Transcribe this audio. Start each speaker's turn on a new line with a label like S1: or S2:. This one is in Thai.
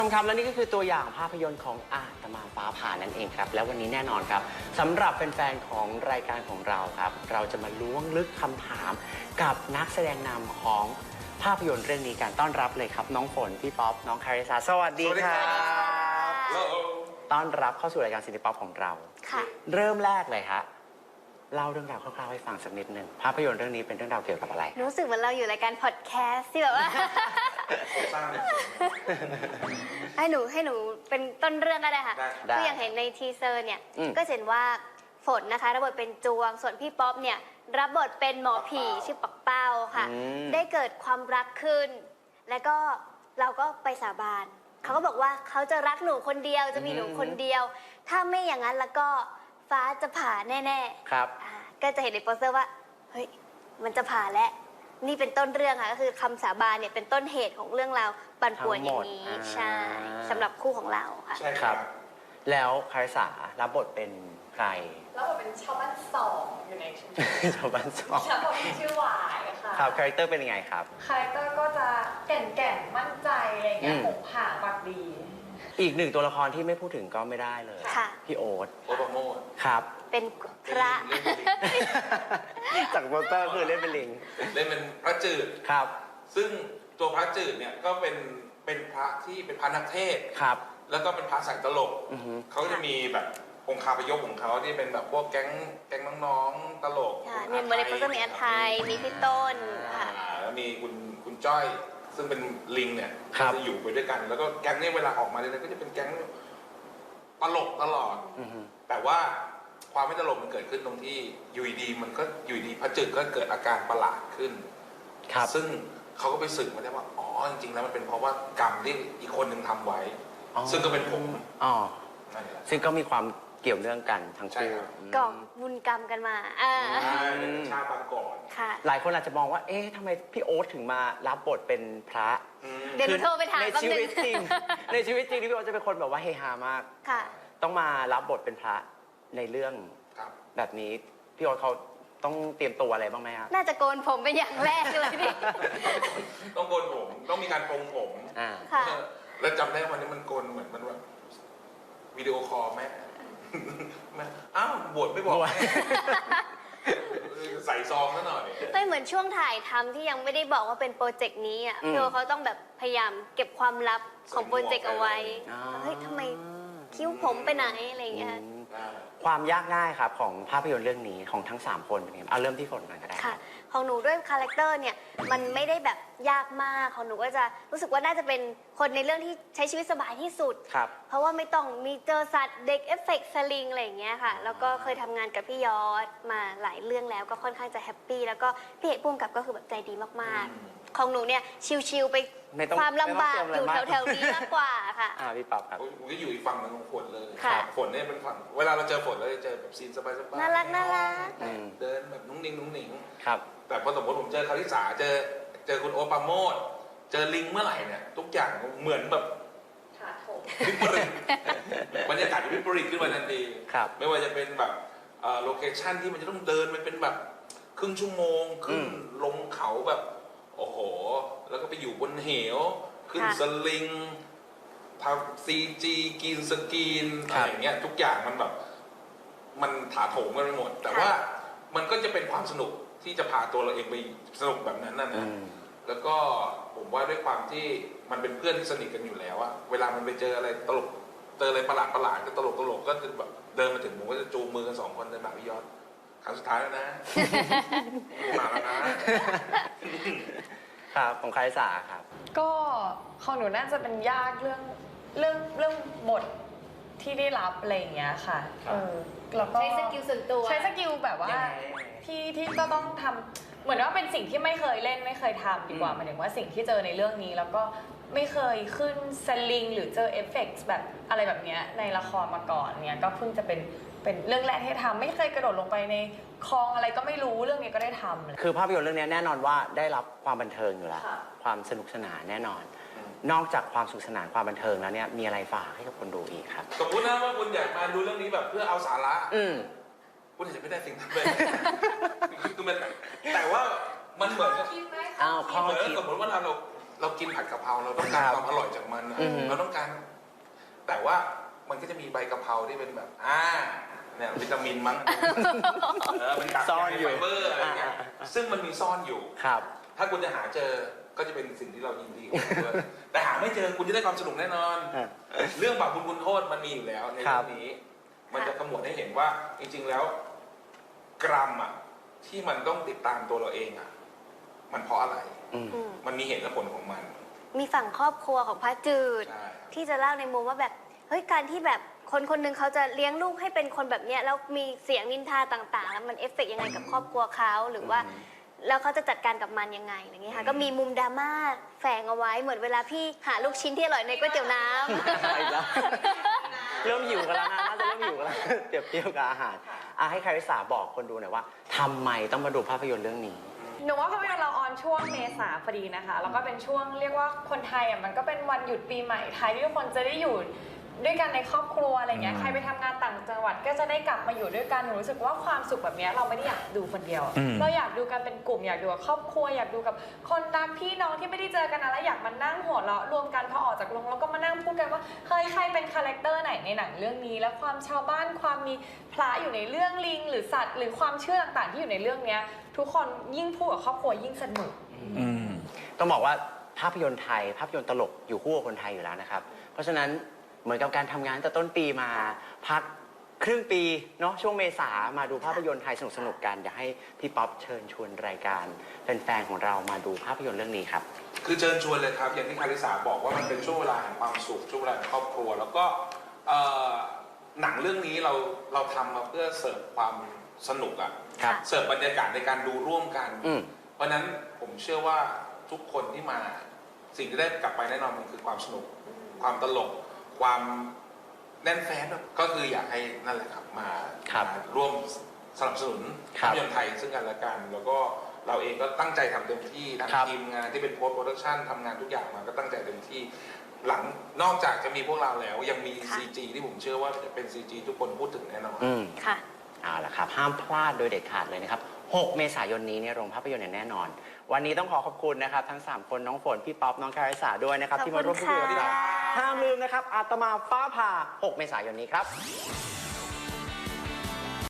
S1: ครับและนี่ก็คือตัวอย่างภาพยนตร์ของอาตมาฟ้าผ่านั่นเองครับแล้ววันนี้แน่นอนครับสำหรับแฟนๆของรายการของเราครับเราจะมาล้วงลึกคำถามกับนักแสดงนำของภาพยนตร์เรื่องนี้การต้อนรับเลยครับน้องฝนพี่ป๊อปน้องคาริสาสวัสดีครับต้อนรับเข้าสู่รายการซินิป๊อปของเรา
S2: ค่ะ
S1: เริ่มแรกเลยฮะเล่าเรื่องราวคร่าวๆให้ฟังสักนิดหนึ่งภาพยนตร์เรื่องนี้เป็นเรื่องราวเกี่ยวกับอะไร
S2: รู้สึกเหมือนเราอยู่รายการพอดแคสต์ที่แบบว่า ให้หนูเป็นต้นเรื่องก็ได้ค่ะคืออย่างเห็นในทีเซอร์เนี่ยก็เห็นว่าฝนนะคะรับบทเป็นจวงส่วนพี่ป๊อปเนี่ยรับบทเป็นหมอผีชื่อปักเป้าค่ะได้เกิดความรักขึ้นแล้วก็เราก็ไปสาบานเขาก็บอกว่าเขาจะรักหนูคนเดียวจะมีหนูคนเดียวถ้าไม่อย่างนั้นแล้วก็ฟ้าจะผ่าแน่ๆ
S1: ครับ
S2: ก็จะเห็นในโปสเตอร์ว่าเฮ้ยมันจะผ่าแล้วนี่เป็นต้นเรื่องค่ะก็คือคำสาบานเนี่ยเป็นต้นเหตุของเรื่องราวปั่นป่วนอย่างนี้ใช่สำหรับคู่ของเราค่ะ
S1: ใช่ครับแล้วคาริสารับบทเป็นใคร
S3: รับบทเป็นชาวบ้านสองอยู่ในชุมชน
S1: ชาวบ้านสอง
S3: ชาวบ้านชื่อหวายค่ะ
S1: ครับคาแรคเตอร์เป็นยังไงครับ
S3: คาแรคเตอร์ก็จะแก่นมั่นใจอะไรเงี้ยผมผ่าปากดี
S1: อีกหนึ่งตัวละครที่ไม่พูดถึงก็ไม่ได้เลยพี่โอ๊ต
S4: ปราโมท
S1: ครับ
S2: เป็นพระ
S1: จากโปสเตอร์คือเล่นเป็นลิง
S4: เล่นเป็นพระจืด
S1: ครับ
S4: ซึ่งตัวพระจืดเนี่ยก็เป็นพระที่เป็นพระนักเทศ
S1: ครับ
S4: แล้วก็เป็นพระสายตลกเขาจะมีแบบองค์คาพยพของเขาที่เป็นแบบพวกแก๊งน้องๆตลก
S2: มีมาในโปสเตอร์มีอันไทยมีพี่ต้นค่ะ
S4: แล้วมีคุณจ้อยซึ่งเป็นลิงเนี่ยจะอยู่ไปด้วยกันแล้วก็แก๊งเนี่ยเวลาออกมาเนี่ยก็จะเป็นแก๊งตลกตลอดแต่ว่าความไม่ตลกมันเกิดขึ้นตรงที่อยู่ดีมันก็อยู่ดีพระจืดก็เกิดอาการประหลาดขึ้นซึ่งเขาก็ไปสืบมาได้ว่าอ๋อจริงๆแล้วมันเป็นเพราะว่ากรรมที่อีกคนหนึ่งทำไว้ซึ่งก็เป็นผม
S1: ซึ่งก็มีความเกี่ยวเนื่องกันทั้งคู่
S2: ก่อบุญกรรมกันมา
S4: ชาติปางก่อน
S1: หลายคนอาจจะมองว่าเอ๊ะทำไมพี่โอ๊ตถึงมารับบทเป็นพระ
S2: เดี๋ยวโทรไปถาม
S1: ในชีวิตจริงในชีวิตจริงที่พี่โอ๊ตจะเป็นคนแบบว่าเฮฮามากต้องมารับบทเป็นพระในเรื่องแบบนี้พี่โอ๊ตเขาต้องเตรียมตัวอะไรบ้างไหมครับ
S2: น่าจะโกนผมเป็นอย่างแรกเลยพี่
S4: ต้องโกนผมต้องมีการปรงผมแล้วจำได้วันนี้มันโกนเหมือนมันแบบวิดีโอคอลแม่อ้าวบวชไม่บอกใส่ซองซะหน่อย
S2: ไม่เหมือนช่วงถ่ายทำที่ยังไม่ได้บอกว่าเป็นโปรเจกต์นี้อ่ะพี่โอเขาต้องแบบพยายามเก็บความลับของโปรเจกต์เอาไว้เฮ้ยทำไมคิ้วผมไปไหนอะไรอย่างเงี้ย
S1: ความยากง่ายครับของภาพยนตร์เรื่องนี้ของทั้ง3คนเป็นไงเอาเริ่มที่ฝนก่อนก็ได้
S2: ค่ะของหนูด้วยคาแรคเตอร์เนี่ยมันไม่ได้แบบยากมากของหนูก็จะรู้สึกว่าน่าจะเป็นคนในเรื่องที่ใช้ชีวิตสบายที่สุดเพราะว่าไม่ต้องมีเจอสัตว์เด็กเอฟเฟกต์สลิงอะไรอย่างเงี้ยค่ะแล้วก็เคยทำงานกับพี่ยอดมาหลายเรื่องแล้วก็ค่อนข้างจะแฮปปี้แล้วก็พี่เอกพุ่มกับก็คือแบบใจดีมากๆของหนูเนี่ยชิลๆไปความลำบากอยู่แถวๆนี้มากกว่าค่ะ
S1: พี่ป๊อปครับ
S4: ผมก็อยู่อีกฝั่งนึงของฝนเลยฝนเนี่ยเป็นฝั่งเวลาเราเจอฝนเราจะเจอแบบซีนสบายๆ
S2: น่ารัก
S4: เดินแบบนุ่งนิ่ง
S1: ครับ
S4: แต่พอสมมติผมเจอคาริสาเจอคุณโอปาโมดเจอลิงเมื่อไหร่เนี่ยทุกอย่างเหมือนแบบวิปริตบรรยากาศวิปริตขึ้นมาทันทีไม่ว่าจะเป็นแบบโลเคชั่นที่มันจะต้องเดินไปเป็นแบบครึ่งชั่วโมงขึ้นลงเขาแบบโอ้โหแล้วก็ไปอยู่บนเหวขึ้นสลิงทำซีจีกินสกีนอะไรอย่างเงี้ยทุกอย่างมันแบบมันถาโถมกันไปหมดแต่ว่ามันก็จะเป็นความสนุกที่จะพาตัวเราเองไปสนุกแบบนั้นนะแล้วก็ผมว่าด้วยความที่มันเป็นเพื่อนที่สนิทกันอยู่แล้วอะเวลามันไปเจออะไรตลกเจออะไรประหลาดก็ตลกก็จะแบบเดินมาถึงผมก็จะจูงมือกัน2 คนเดินมาพี่ยอดครั้งสุดท้ายแล้วนะมาแล้วนะครับ
S1: ของคาริสาครับ
S3: ก็ของหนูน่าจะเป็นยากเรื่องบทที่ได้รับอะไรอย่างเงี้ยค่ะ
S2: แล้วก็ใช้สกิลส่วนตัว
S3: ใช้สกิลแบบว่าที่ก็ต้องทำเหมือนว่าเป็นสิ่งที่ไม่เคยเล่นไม่เคยทำดีกว่าหมายถึงว่าสิ่งที่เจอในเรื่องนี้แล้วก็ไม่เคยขึ้นสลิงหรือเจอเอฟเฟกต์แบบอะไรแบบนี้ในละครมาก่อนเนี่ยก็เพิ่งจะเป็นเรื่องแรกที่ทำไม่เคยกระโดดลงไปในคลองอะไรก็ไม่รู้เรื่องนี้ก็ได้ทำ
S1: คือภาพยนตร์เรื่องนี้แน่นอนว่าได้รับความบันเทิงอยู่แล้วความสนุกสนานแน่นอนนอกจากความสนุกสนานความบันเทิงแล้วเนี่ยมีอะไรฝากให้กับคนดูอีกครับ
S4: สมมตินะว่าคุณอยากมาดูเรื่องนี้แบบเพื่อเอาสาระคุณอาจจะไม่ได้สิ่งนั้นเลยคือมันแต่ว่ามันเหมือนกับ
S1: ข้อคิด
S4: สมมติว่าเราเรากินผัดกะเพราเราต้องการความอร่อยจากมันอะเราต้องการ แต่ว่ามันก็จะมีใบกะเพราที่เป็นแบบเนี่ยวิตามินมั้งเป็นกากใยไฟเบอร์อะไรเงี้ยซึ่งมันมีซ่อนอยู่
S1: ครับ
S4: ถ้าคุณจะหาเจอก็จะเป็นสิ่งที่เรายินดีกับมันด้วยแต่หาไม่เจอคุณจะได้ความสนุกแน่นอน เรื่องบาปบุญคุณโทษมันมีอยู่แล้วในเรื่องนี้ มันจะกำหนดให้เห็นว่าจริงๆแล้ว กรัมที่มันต้องติดตามตัวเราเองมันเพราะอะไรมันมีเหตุและผลของมัน
S2: มีฝั่งครอบครัวของพระจืด
S4: ใช่
S2: ที่จะเล่าในมุมว่าแบบเฮ้ยการที่แบบคนคนหนึ่งเขาจะเลี้ยงลูกให้เป็นคนแบบเนี้ยแล้วมีเสียงนินทาต่างๆ แล้วมันเอฟเฟกต์ยังไงกับครอบครัวเขาหรือว่าแล้วเขาจะจัดการกับมันยังไงอย่างเงี้ยค่ะก็มีมุมดราม่าแฝงเอาไว้เหมือนเวลาพี่หาลูกชิ้นที่อร่อยในก๋วยเตี๋ยวน้
S1: เริ่มหิวกันแล้วนะน่าจะเริ่มหิวกันแล้วเปรียบเทียบกับอาหารให้คาริสาบอกคนดูหน่อยว่าทำไมต้องมาดูภาพยนตร์เรื่องนี้
S3: หนูว่าภาพยนตร์เราออนช่วงเมษาพอดีนะคะแล้วก็เป็นช่วงเรียกว่าคนไทยมันก็เป็นวันหยุดปีใหม่ไทยที่ทุกคนจะได้อยู่ด้วยกันในครอบครัวอะไรเงี้ยใครไปทำงานต่างจังหวัดก็จะได้กลับมาอยู่ด้วยกันหนูรู้สึกว่าความสุขแบบนี้เราไม่ได้อยากดูคนเดียวเราอยากดูกันเป็นกลุ่มอยากดูกับครอบครัวอยากดูกับคนรักพี่น้องที่ไม่ได้เจอกันนานแล้วอยากมานั่งหัวเราะรวมกันพอออกจากโรงแล้วก็มานั่งพูดกันว่าเฮ้ยใครเป็นคาแรคเตอร์ไหนในหนังเรื่องนี้แล้วความชาวบ้านความมีพระอยู่ในเรื่องลิงหรือสัตว์หรือความเชื่อต่างๆที่อยู่ในเรื่องนี้ทุกคนยิ่งพูดกับครอบครัวยิ่งสนุก
S1: ต้องบอกว่าภาพยนตร์ไทยภาพยนตร์ตลกอยู่คู่กับคนไทยอยู่แล้วนะครับเพราะฉะนั้นเหมือนกับการทำงานแต่ต้นปีมาพักครึ่งปีเนาะช่วงเมษามาดูภาพยนตร์ไทยสนุกๆกันอยากให้พี่ป๊อปเชิญชวนรายการแฟนๆของเรามาดูภาพยนตร์เรื่องนี้ครับ
S4: คือเชิญชวนเลยครับอย่างที่คาริสาบอกว่ามันเป็นช่วงเวลาแห่งความสุขช่วงเวลาแห่งครอบครัวแล้วก็หนังเรื่องนี้เราทำมาเพื่อเสิร์ฟความสนุกเสิร์ฟบรรยากาศในการดูร่วมกันเพราะนั้นผมเชื่อว่าทุกคนที่มาสิ่งที่ได้กลับไปแน่นอนมันคือความสนุกความตลกความแน่นแฟ้นก็คืออยากให้นั่นแหละครับมาร่วมสนับสนุนภาพยนตร์ไทยซึ่งกันและกันแล้วก็เราเองก็ตั้งใจทำเต็มที่ทั้งทีมงานที่เป็นโพสต์โปรดักชันทำงานทุกอย่างมาก็ตั้งใจเต็มที่หลังนอกจากจะมีพวกเราแล้วยังมี CG ที่ผมเชื่อว่าจะเป็น CG ทุกคนพูดถึงแน่นอน
S2: ค่ะ
S1: เอาละครับห้ามพลาดโดยเด็ดขาดเลยนะครับ6 เมษายนนี้ในโรงภาพยนตร์อย่างแน่นอนวันนี้ต้องขอบคุณนะครับทั้ง3คนน้องฝนพี่ป๊อปน้องคาริสาด้วยนะครับที่มาร่วมพูดคุยกับเราห้ามลืมนะครับอาตมาฟ้าผ่า6 เมษายนนี้ครับ